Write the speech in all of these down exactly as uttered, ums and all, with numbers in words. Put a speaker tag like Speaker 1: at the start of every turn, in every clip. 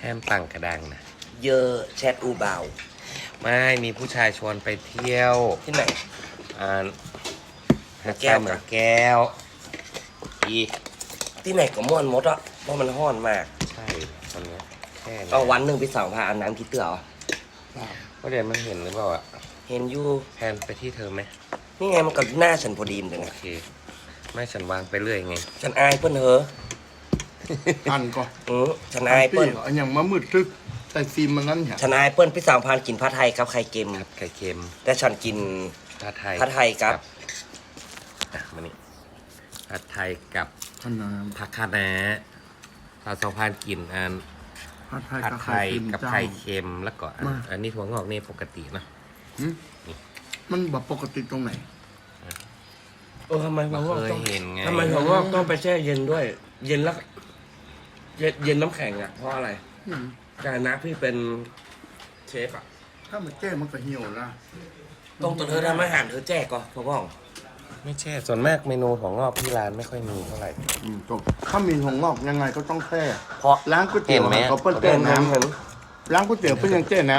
Speaker 1: แฮมปังกระดังนะ
Speaker 2: เยอะแชทอูเบา
Speaker 1: ไม่มีผู้ชายชวนไปเที่ยว
Speaker 2: ที่ไหน
Speaker 1: อ่าหาดท
Speaker 2: แก้
Speaker 1: รายว เหมือนแก้วอี
Speaker 2: ที่ไหนก็ม่วนหมดอ่ะเพราะมันห้อนมาก
Speaker 1: ใช่ตอนเนี้ยแค่นี้
Speaker 2: เอาวันหนึ่งไปสาวพาอาบน้ำคิดเตือเหรอ
Speaker 1: ว่าเดี๋ยวมันเห็นหรือเปล่าอ่ะ
Speaker 2: เห็นอยู่
Speaker 1: แพนไปที่เธอไหม
Speaker 2: นี่ไงมันกับหน้าฉันพอดีมเลย
Speaker 1: โอ
Speaker 2: นะ
Speaker 1: เคไม่ฉันวางไปเรื่อยไง
Speaker 2: ฉันอายเปิ้นเหอะ
Speaker 3: อันก็
Speaker 2: อือฉันอายเปิ้น
Speaker 3: อันอย่างมามืดทึกแต่ฟิล์มมันนั่นเนี่ย
Speaker 2: ฉันอายเปิ้นพี่สาวพานกินผัดไทยกับไข่เค็ม
Speaker 1: ผัดไข่เค็ม
Speaker 2: แต่ฉันกิน
Speaker 1: ผัดไทย
Speaker 2: ผัดไทยครับ
Speaker 1: อ่ะมานี่ผัดไทยกับ
Speaker 3: ขนาด
Speaker 1: ผักคะน้าสาวสองพันกินอัน
Speaker 3: ผัดไทย
Speaker 1: ผัด
Speaker 3: กับ
Speaker 1: ไท
Speaker 3: ไข่
Speaker 1: ย
Speaker 3: เค็ม
Speaker 1: กับ
Speaker 3: เจ้า
Speaker 1: ไข่เค็มแล้วก็อัน
Speaker 3: มา
Speaker 1: อันนี้ถั่วงอกนี่ปกตินะ
Speaker 3: หืมมันแบบปกติตรงไหน
Speaker 2: เออทำไม
Speaker 1: ไม่
Speaker 2: หัวงอก
Speaker 1: เคย
Speaker 2: ต้อง
Speaker 1: เห็นไง
Speaker 2: ทำไมหัวงอกต้องไปแช่เย็นด้วย เย็นแล้วเย็นเย็นน้ำแข็งอ่ะเพราะอะไร
Speaker 3: อืม
Speaker 2: แต่นะพี่เป็นเชฟอ่ะ
Speaker 3: ถ้ามันแก้มันก็เหี่ยวละ
Speaker 2: ตรงตัวเธอทำอาหารเธอแจกก่อนพ่อพ่อง
Speaker 1: ไม่ใช่ส่วนมากเมนูถั่วงอกที่ร้านไม่ค่อยมีเท่าไหร่
Speaker 3: อืมจบถ้ามีถั่วงอกยังไงก็ต้องแช่
Speaker 2: เพราะ
Speaker 3: ร้านก๋วยเตี๋ยว
Speaker 1: เห็นไหม
Speaker 3: เขาเปิ้ลแก้น้ำร้านก๋วยเตี๋ยวเปิ้ลยังแก้น้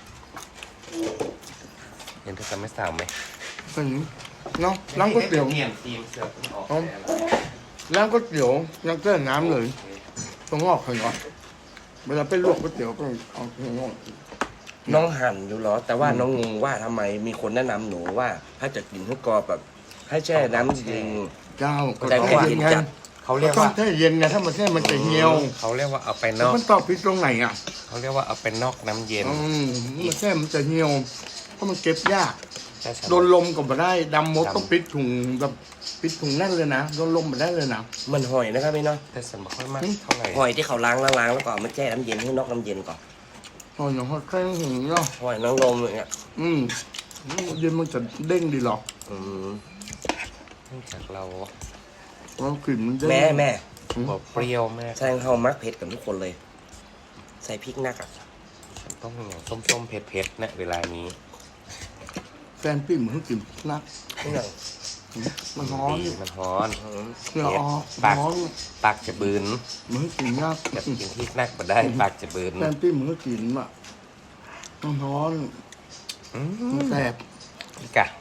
Speaker 1: เห็นเธอจะไม่สาวไหม
Speaker 3: ำเป็นเนาะร้านก๋วยเตี๋ยว
Speaker 1: เปลี่ยนทีมเสือกออก
Speaker 3: เอา ร้านก๋วยเตี๋ยวยังแก้น้ำเลยถั่วงอกเคยเหรอเวลาไปลวกก๋วยเตี๋ยวก็เอาถั่วงอก
Speaker 2: น้องหั่นอยู่เหรอ แต่ว่าน้องงงว่าทำไมมีคนแนะนำหนูว่า ถ้าจะกินให้กรอบแบบ ให้แช่น้ำจริง
Speaker 3: เจ้าก็
Speaker 2: แต่
Speaker 3: ต้อง
Speaker 2: แค่
Speaker 3: เย็นไง
Speaker 2: จัด
Speaker 1: เขา
Speaker 3: ก็
Speaker 1: เรียก
Speaker 3: ต้อง
Speaker 1: ว่า
Speaker 3: แช่เย็นไงถ้ามันแช่มันจะเหี่ยว
Speaker 1: เขาเรียกว่าเอาไปนอก
Speaker 3: มันตอบผิดตรงไหนอ่ะ
Speaker 1: เขาเรียกว่าเอาไปนอกน้ำเย็น
Speaker 3: อืมมันแช่มันจะเหี่ยวเพราะมันเก็บยาก
Speaker 1: ใช่ใช่
Speaker 3: โดนลมก็ไม่ได้ดำมด
Speaker 1: ดำ
Speaker 3: ต้องปิดถุงแบบปิดถุงแน่นเลยนะโดนลมไม่ได้เลยนะ
Speaker 2: ๆ มันหอยนะครับพี่เนาะ
Speaker 1: แต่ฉันไม่ค่อยมาก
Speaker 3: อืม
Speaker 1: เท่าไหร่
Speaker 2: หอยที่เขาล้างล้างๆแล้วก็เอามาแช่น้ำเย็นให้นอกน้ำเย็นก่อน
Speaker 3: ตอนอย่างเขาแค่หึงเนาะ
Speaker 2: หอยนางรมอย่างเงี้ย
Speaker 3: อืมเย็นมันจะเด้งดีหรอก
Speaker 2: อืม
Speaker 1: เนื่องจากเรา
Speaker 3: เรากลิ่นมันเด้ง
Speaker 2: แม่แม่
Speaker 1: บอกเปรี้ยวมาก
Speaker 2: แซงเฮามักเผ็ดกับทุกคนเลย ใส่พริกนักอ่ะ
Speaker 1: ฉันต้องอย่างส้มๆเผ็ดๆนะเวลานี้
Speaker 3: แฟนพี่เหมือนกลิ่นนัก
Speaker 2: นี่หนัง
Speaker 3: มันร้อน
Speaker 1: ดีมันร้อน
Speaker 2: อืม
Speaker 3: เหงื่อออก
Speaker 1: ปาก
Speaker 3: ร้อน
Speaker 1: ปากจะบืน
Speaker 3: เหมือนกลิ่นนัก
Speaker 1: จะกินที่นักมาได้ปากจะบืน
Speaker 3: แฟนพี่เหมือนกลิ่นอ่ะมันร้อน
Speaker 1: อื
Speaker 3: มัน
Speaker 1: ม
Speaker 3: แสบ
Speaker 1: อีกอะ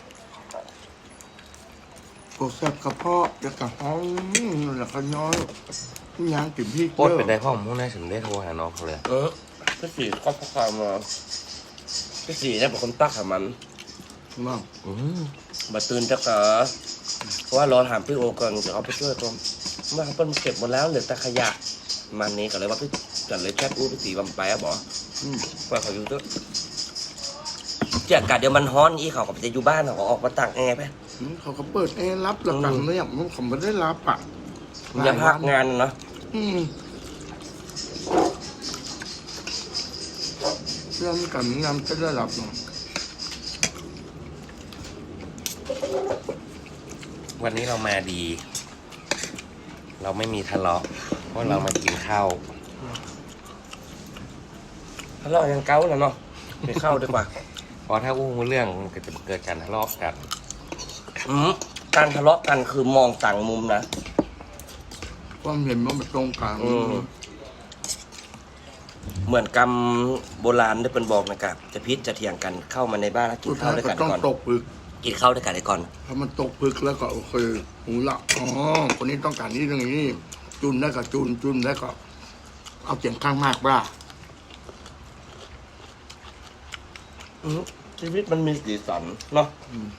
Speaker 3: ปวดแสบกระเพาะจะกระห้องแล้วก็ย้อยยางกลิ่นพี่
Speaker 1: โคตรเป็นได้พ่อผมพวกนั้นฉันได้โทรหาน้องเขาเลย
Speaker 2: เออพี่สีก็พกความมาพี่สีเนี่ยเป็นคนตักให้มัน
Speaker 3: มาก
Speaker 1: อืม
Speaker 2: บัตื่นจะกะเพราะว่ารอถามพี่โอก่อนเดี๋ยวเขาไปช่วยก่อนเมื่อเขาเพิ่นเก็บหมดแล้วเหลือแต่ขยะมันนี้ก็เลยว่าพี่จันเลยแชทอู้พี่สีบำไปอะบอก
Speaker 3: อืม
Speaker 2: ว่าเขาอยู่ด้วยเจ้ากาเดี๋ยวมันฮ้อนอีเขาก็จะอยู่บ้านเขาก็ออกมาตักยังไงไป
Speaker 3: อืมเขาก็เปิดแอร์รับแล้วกันเนี่ยมันผมไม่ได้รับอ่ะ
Speaker 2: อย่าพักงานเนาะ
Speaker 3: อืมเรื่องกันงานจะได้รับเนาะ
Speaker 1: วันนี้เรามาดี เราไม่มีทะเลาะเพราะเรามากินข้าว
Speaker 2: ทะเลาะยังเก้าแล้วเนาะไปเข้าดีกว่า
Speaker 1: เพราะถ้าอู้เรื่องมันก็จะเกิดการทะเลาะกัน
Speaker 2: อืมการทะเลาะกันคือมองต่างมุมนะ
Speaker 3: ความเห็นมันไม่ตรงกัน
Speaker 2: อืม เหมือนกำโบราณได้เป็นบอกนะครับจะพิษจะเถียงกันเข้ามาในบ้านแล้วกิ
Speaker 3: สุ
Speaker 2: น
Speaker 3: ด
Speaker 2: ข้า
Speaker 3: ท้า
Speaker 2: วย ด้วย
Speaker 3: ก็
Speaker 2: กัน
Speaker 3: ต้อง
Speaker 2: ก่อน
Speaker 3: ตกผึก
Speaker 2: กินข้าวด้วยกันก่อน
Speaker 3: ถ้ามันตกผึกแล้วก็โอเคหูละอ๋อคนนี้ต้องการนี้เรื่องนี้ จุนได้ก็จุนจุนได้ก็ เอาเสียงข้างมากบ้า
Speaker 2: อืมชีวิตมันมีสีสันเนาะ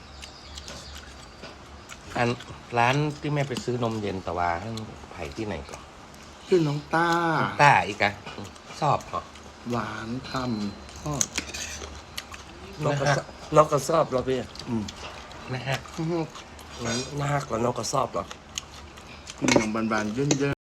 Speaker 1: อันร้านที่แม่ไปซื้อนมเย็นตะวาท่านไผ่ที่ไหนก่อน
Speaker 3: ชื่อน้องต้า
Speaker 1: ต้าอีกอะชอบเหรอ
Speaker 3: หวานทำทอด
Speaker 2: น้องก็ชอบน้องก็ชอบเราพี่
Speaker 3: อืม
Speaker 1: นะฮะ
Speaker 3: อื้อหือ
Speaker 2: น่าฮักกว่าน้องก็ชอบเหรอ
Speaker 3: อย่างบานๆเยินๆ